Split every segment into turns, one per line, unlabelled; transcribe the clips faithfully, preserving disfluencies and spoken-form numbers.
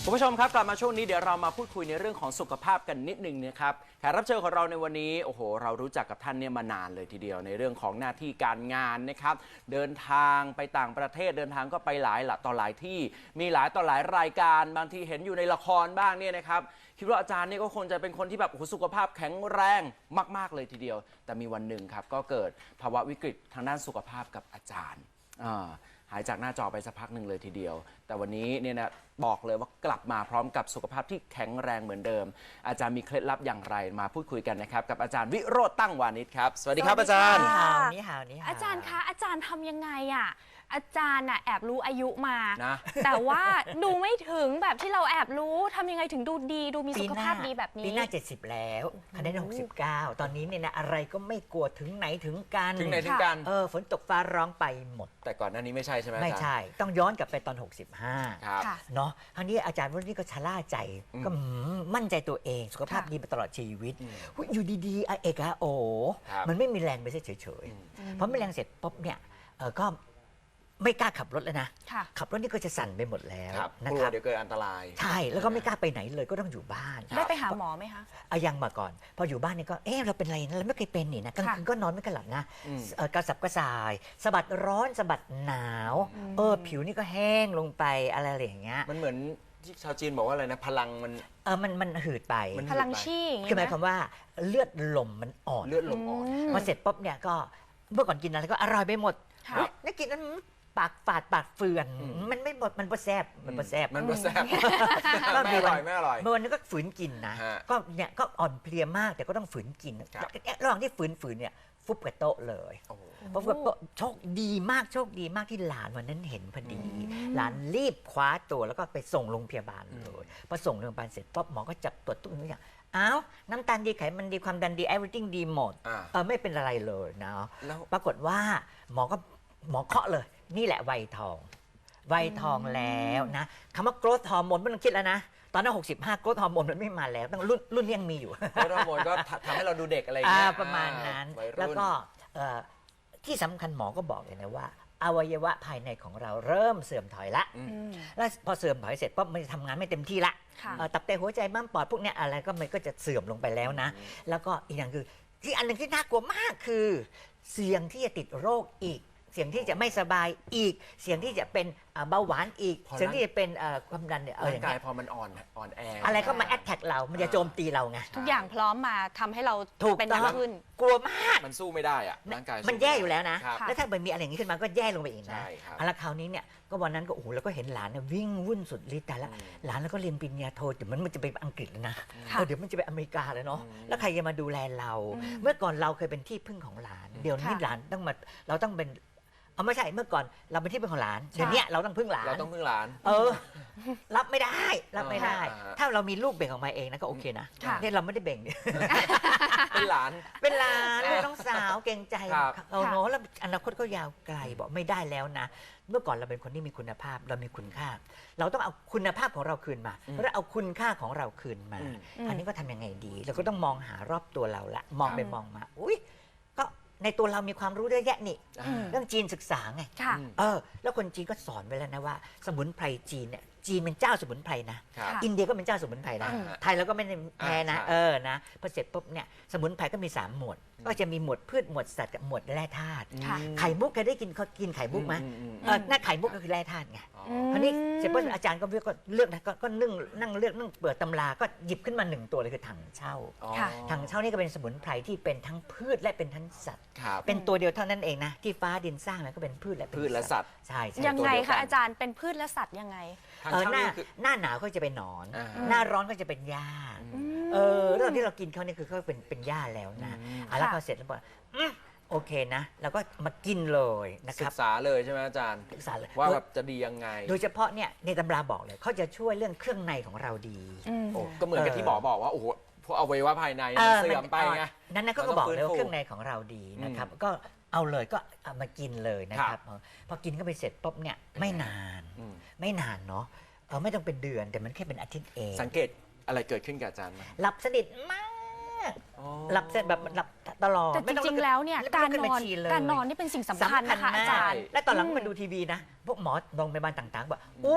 คุณผู้ชมครับกลับมาช่วงนี้เดี๋ยวเรามาพูดคุยในเรื่องของสุขภาพกันนิดนึงนะครับแขกรับเชิญของเราในวันนี้โอ้โหเรารู้จักกับท่านเนี่ยมานานเลยทีเดียวในเรื่องของหน้าที่การงานนะครับเดินทางไปต่างประเทศเดินทางก็ไปหลายหละต่อหลายที่มีหลายต่อหลายรายการบางทีเห็นอยู่ในละครบ้างเนี่ยนะครับคิดว่าอาจารย์นี่ก็คงจะเป็นคนที่แบบโอ้โหสุขภาพแข็งแรงมากๆเลยทีเดียวแต่มีวันหนึ่งครับก็เกิดภาวะวิกฤตทางด้านสุขภาพกับอาจารย์อ่าหายจากหน้าจอไปสักพักหนึ่งเลยทีเดียวแต่วันนี้เนี่ยนะบอกเลยว่ากลับมาพร้อมกับสุขภาพที่แข็งแรงเหมือนเดิมอาจารย์มีเคล็ดลับอย่างไรมาพูดคุยกันนะครับกับอาจารย์วิโรจน์ตั้งวานิชครับสวัสดีครับอาจารย์
นี่หาวนี่หาว
อาจารย์คะอาจารย์ทำยังไงอ่ะอาจารย์น่ะแอบรู้อายุมา
นะ
แต่ว่าดูไม่ถึงแบบที่เราแอบรู้ทำยังไงถึงดูดีดูมีสุขภาพดีแบบนี้
ปีหน้าเจ็ดสิบแล้วคะแนนหกสิบเก้าตอนนี้เนี่ยนะอะไรก็ไม่กลัวถึงไหนถึงกัน
ถึงไหนถึงกัน
เออฝนตกฟ้าร้องไปหมด
แต่ก่อนหน้านี้ไม่ใช่ใช่ไหมอาจารย์
ไม่ใช่ต้องย้อนกลับไปตอนหกสิบห้า
ครับ
เนาะคราวนี้อาจารย์วันนี้ก็ชะล่าใจก็มั่นใจตัวเองสุขภาพดีมาตลอดชีวิตอยู่ดีๆเอกอะโอมันไม่มีแรงไปเฉยๆเพราะไม่แรงเสร็จปุ๊บเนี่ยก็ไม่กล้าขับรถแล้วนะขับรถนี่ก็จะสั่นไปหมดแล้ว
นะครับเดี๋ยวเกิดอันตราย
ใช่แล้วก็ไม่กล้าไปไหนเลยก็ต้องอยู่บ้าน
ได้ไปหาหมอไหมคะ
อายังมาก่อนพออยู่บ้านนี่ก็เออเราเป็นอะไรนะเราไม่เคยเป็นนี่นะกลางคืนก็นอนไม่กระหลับนะกระสับกระส่ายสะบัดร้อนสะบัดหนาวเออผิวนี่ก็แห้งลงไปอะไรอย่างเงี้ย
มันเหมือนที่ชาวจีนบอกว่าอะไรนะพลังมัน
เออมันมันหืดไป
พลังชี
คือหมายความว่าเลือดลมมันอ่อน
เลือดลมอ่อน
พอเสร็จปุ๊บเนี่ยก็เมื่อก่อนกินอะไรก็อร่อยไปหมดนี่กินนั้นปากฝาดปากเฟือนมันไม่หมดมันบ่แซ่บมันบ่แซ่บ
มันบ่แซ่บไม่อร่อยไม่อร่อย
เมื่อวันนี้ก็ฝืนกินนะก็เนี่ยก็อ่อนเพลียมากแต่ก็ต้องฝืนกินระหว่างที่ฝืนฝืนเนี่ยฟุบกับโต๊ะเลยฟุบกับโต๊ะโชคดีมากโชคดีมากที่หลานวันนั้นเห็นพอดีหลานรีบคว้าตัวแล้วก็ไปส่งโรงพยาบาลเลยพอส่งโรงพยาบาลเสร็จปุ๊บหมอก็จับตรวจทุกอย่างอ้าวน้ำตาลดีไขมันดีความดันดี everything ดีหมดเออไม่เป็นอะไรเลยนะปรากฏว่าหมอก็หมอเคาะเลยนี่แหละวัยทองวัยทองแล้วนะคำว่า growth hormone ไม่ต้องคิดแล้วนะตอนนั้นหกสิบห้า growth hormone มันไม่มาแล้วตั้งรุ่นรุ่นยังมีอยู่
growth hormone ก็ทำให้เราดูเด็กอะไรอย่างเงี้ย
ประมาณนั้นแล้วก็ที่สำคัญหมอก็บอกเลยนะว่าอวัยวะภายในของเราเริ่มเสื่อมถอยละแล้วพอเสื่อมถอยเสร็จปั๊บมันจะทำงานไม่เต็มที่ละตับไตหัวใจม้ามปอดพวกนี้อะไรก็มันก็จะเสื่อมลงไปแล้วนะแล้วก็อีกอย่างคือที่อันหนึ่งที่น่ากลัวมากคือเสี่ยงที่จะติดโรคอีกเสี่ยงที่จะไม่สบายอีกเสี่ยงที่จะเป็นเบาหวานอีกเสี่ยงที่จะเป็นความดันเนี่ย
ร่างกายพอมันอ่อนอ่อนแอ
อะไรก็มาแอดแท็กเรามันจะโจมตีเราไง
ทุกอย่างพร้อมมาทำให้เราเป็นหนักขึ้น
กลัวมาก
มันสู้ไม่ได้อะร่างกาย
มันแย่อยู่แล้วนะแล้วถ้ามันมีอะไรอย่างนี้ขึ้นมาก็แย่ลงไปอีกนะแล้วคราวนี้เนี่ยก็วันนั้นก็โอ้โหแล้วก็เห็นหลานเนี่ยวิ่งวุ่นสุดฤทธิ์แต่ละหลานแล้วก็เรียนปริญญาโทเดี๋ยวมันจะไปอังกฤษแล้วนะเดี๋ยวมันจะไปอเมริกาแล้วเนาะแล้วใครจะมาดูแลเราเมื่อก่อนเราเคยเป็นที่พึ่งของหลานเดี๋ยวนี้หลานต้องมาเราต้องเป็นเอาไม่ใช่เมื่อก่อนเราเป็นที่พึ่งของหลานเดี๋ยวนี้เราต้องพึ่งหลาน
เราต้องพึ่งหลาน
เออรับไม่ได้รับไม่ได้ ถ้าเรามีลูกเบ่งออกมาเองนะก็โอเคนะเนี่ยเราไม่ได้เบ่ง
เป็นหลาน
เป็นหลานเป็นน้องสาวเก่งใจเอาเนาะแล้วอนาคตก็ยาวไกลบอกไม่ได้แล้วนะเมื่อก่อนเราเป็นคนที่มีคุณภาพเรามีคุณค่าเราต้องเอาคุณภาพของเราคืนมาแล้วเอาคุณค่าของเราคืนมาอันนี้ก็ทำยังไงดีเราก็ต้องมองหารอบตัวเราละมองไปมองมาอุ้ยก็ในตัวเรามีความรู้เยอะแยะนี่เรื่องจีนศึกษาไงเออแล้วคนจีนก็สอนไว้แล้วนะว่าสมุนไพรจีนเนี่ยจีนเป็นเจ้าสมุนไพรนะอินเดียก็เป็นเจ้าสมุนไพรนะไทยเราก็ไม่ได้แพ้นะเออนะพอเสร็จปุ๊บเนี่ยสมุนไพรก็มีสามหมวดก็จะมีหมวดพืชหมวดสัตว์กับหมวดแร่ธาตุไข่มุกเคยได้กินเขากินไข่มุกไหมเออหน้าไข่มุกก็คือแร่ธาตุไงคราวนี้เสร็จปุ๊บอาจารย์ก็เลือกก็เลือกนะก็นึ่งนั่งเลือกนั่งเปิดตำราก็หยิบขึ้นมาหนึ่งตัวเลยคือถังเช่าถังเช่านี่ก็เป็นสมุนไพรที่เป็นทั้งพืชและเป็นทั้งสัตว์เป็นตัวเดียวเท่านั้นเองนะที่ฟ้าดินสร้างแล้วก็เป็นพืชและ
พืชและสัตว์
ใช่
ยังไงคะอาจารย์เป็นพืชและสัตว์ยังไง
เออหน้าหน้าหนาวก็จะเป็นหนอนหน้าร้อนก็จะเป็นหญ้าเออเรื่องที่เรากินเขาเนี่ยคือเขาเป็นเป็นหญ้าแล้วนะแล้วพอเสร็จแล้วบอกโอเคนะเราก็มากินเลยนะครับ
ศึกษาเลยใช่ไหมอาจารย์
ศึกษาเลย
ว่าแบบจะดียังไง
โดยเฉพาะเนี่ยในตำราบอกเลยเขาจะช่วยเรื่องเครื่องในของเราดี
โอ้ก็เหมือนกับที่หมอบอกว่าโอ้โหพวกอวัยวะภายในเสื่อมไปไง
นั่นนะก็บอกเลยว่าเครื่องในของเราดีนะครับก็เอาเลยก็เอามากินเลยนะครับพอกินก็ไปเสร็จปุ๊บเนี่ยไม่นานไม่นานเนาะเออไม่ต้องเป็นเดือนแต่มันแค่เป็นอาทิตย์เอง
สังเกตอะไรเกิดขึ้นกับอาจารย์
หลับสนิทมากหลับเสร็จแบบหลับตลอด
แต่จริงๆแล้วเนี่ยการนอนการนอนนี่เป็นสิ่งสำคัญนะคะอาจารย์
และตอนหลังมาดูทีวีนะพวกหมอโรงพยาบาลต่างๆบอกอุ้ย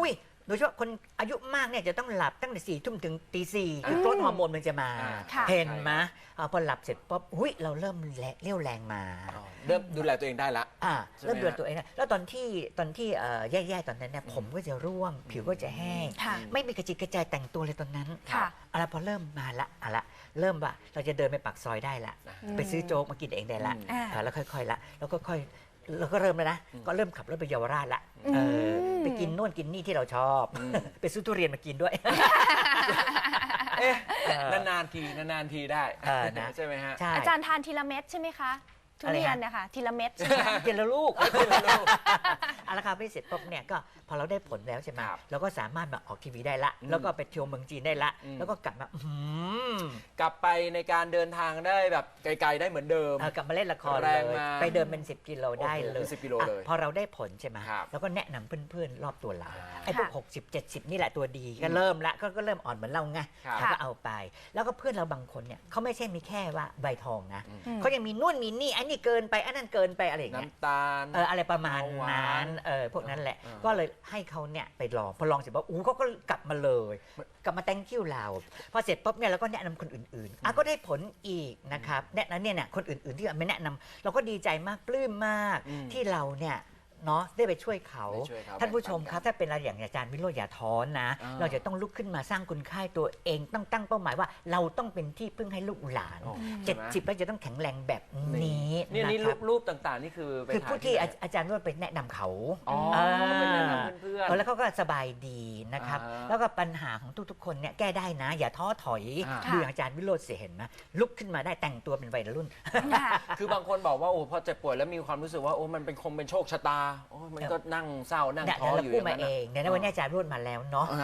โดยเฉพาะคนอายุมากเนี่ยจะต้องหลับตั้งแต่สี่ทุ่มถึงตีสี่คือโกรทฮอร์โมนมันจะมา
อ่า
ค่ะ
เห็นไหมอ่าพอหลับเสร็จปุ๊บหุ้ยเราเริ่มแรงเรี่ยวแรงมา
อ๋อเริ่มดูแลตัวเองได้ละ
อ่า
ใช่ไหม
เริ่มเดือดตัวเองนะแล้วตอนที่ตอนที่เอ่อแย่ๆตอนนั้นเนี่ยผมก็จะร่วง ผิวก็จะแห้ง
ค่ะ
ไม่มีกระจิตกระจายแต่งตัวเลยตอนนั้น
ค่ะ
เอาละพอเริ่มมาละเอาละเริ่มว่าเราจะเดินไปปากซอยได้ละ
อืม
ไปซื้อโจ๊กมากินเองได้ละ
อืม
อ่า
อ่าแล้วค่อยๆละแล้วก็ค่อยเราก็เริ่มแล้วนะ ก็เริ่มขับรถไปเยาวราชละ
อืม
เออไปกินโน่นกินนี่ที่เราชอบ ไปซื้อทุเรียนมากินด้วย
เอ๊ะ
เออ
นานๆทีนานๆทีได้
เออนะ
ใช่ไหมฮะ
ใช่
อาจารย์ทานทีละเม็ดใช่ไหมคะทุ
อะไร
เรียน
ฮะ
เนี่ยค่ะทีละเม็ดใช่ไหมคะ
กินแล้วลูก
กินแล้วลูก
เอาละครับไปเสร็จปุ๊บเนี่ยก็พอเราได้ผลแล้วใช่ไหม
ครับ
เราก็สามารถมาออกทีวีได้ละ
อืม
แล้วก็ไปเที่ยวเมืองจีนได้ละ
อืม
แล้วก็กลับมาอื้อหือก
ลับไปในการเดินทางได้แบบไกลๆได้เหมือนเดิม
เออกลับมาเล่นละคร
แร
เล
ง
ย
มา
ไปเดินเป็นสิบกิโลได้
โอ้โห
เลย
เป็นสิบกิโล
อ่ะ
เลย
พอเราได้ผลใช่ไหม
ครับ
แล้วก็แนะนำเพื่อนๆรอบตัวเรา
อ่า
ไอ้พวก
ค่ะ
หกสิบ เจ็ดสิบนี่แหละตัวดีก็เริ่มละก็ก็เริ่มอ่อนเหมือนเราไง
ครับ
เราก็เอาไป แล้วก็เพื่อนเราบางคนเนี่ยเขาไม่ใช่มีแค่ว่าใบทองนะ
อืม
เขายังมีนู่นมีนี่อันนี้เกินไปอันนั้นเกินไปอะไรอย่างเงี้ย
น้ำตาล
เอออะไรประมาณ
เบาหวาน
นั้นเออพวกนั้นแหละ
เออ
ก็เลยให้เขาเนี่ยไปลองพอลองเสร็จปุ๊บอู้เขาก็กลับมาเลย กลับมา thank you เราพอเสร็จปุ๊บเนี่ยเราก็แนะนำคนอื่นๆอ่ะก็ได้ผลอีกนะครับแนะนำเนี่ยเนี่ยคนอื่นๆที่ไม่แนะนำเราก็ดีใจมากปลื้มมาก
อืม
ที่เราเนี่ยเนาะได้ไปช่วยเขา
ได้ช่วยเขา
ท่านผู้ชม
แบ่งปัน
ครับถ้าเป็นอะไรอย่างอาจารย์วิโรจน์อย่าท้อนนะ
อ่า
เราจะต้องลุกขึ้นมาสร้างคุณค่าให้ตัวเองต้องตั้งเป้าหมายว่าเราต้องเป็นที่พึ่งให้ลูกหลาน
โอ้
เจ็ด
ใช่ไหม
สิบแล้วจะต้องแข็งแรงแบบนี้
นี่
นะ
นี่
ค
รู
รับ
ปรูปต่างๆ นี่คือไป
คือ
ถ่าย
ผู้ที่
ไหน
อาอาจารย์ว่าไปแนะนำเขา
อ๋อ
อ่า
เป็นแนะนำเพื่อน
เออแล้วเขาก็สบายดีนะครับ
อ่า
แล้วก็ปัญหาของทุกๆ คนเนี่ยแก้ได้นะ อย่าท้อถอย
อ่า
ดูอย่างอาจารย์วิโรจน์เสียเห็นไหมลุกขึ้นมาได้แต่งตัวเป็นวัยรุ่น
ค่ะ
คือบางคนบอกว่าโอ้พอเจ็บป่วยแล้วมีความรู้สึกว่าโอ้มันเป็นคงเป็นโชคชะตาโอ้มันก็นั่งเศร้านั่ง
เนี่ย
ท้อ
เรา
อยู่อ
พูด
ย่าง
มา
นั้น
เอ
น่ะ
งเนี่ยนะวันนี้อาจารย์วิโรจน์มาแล้วเนาะ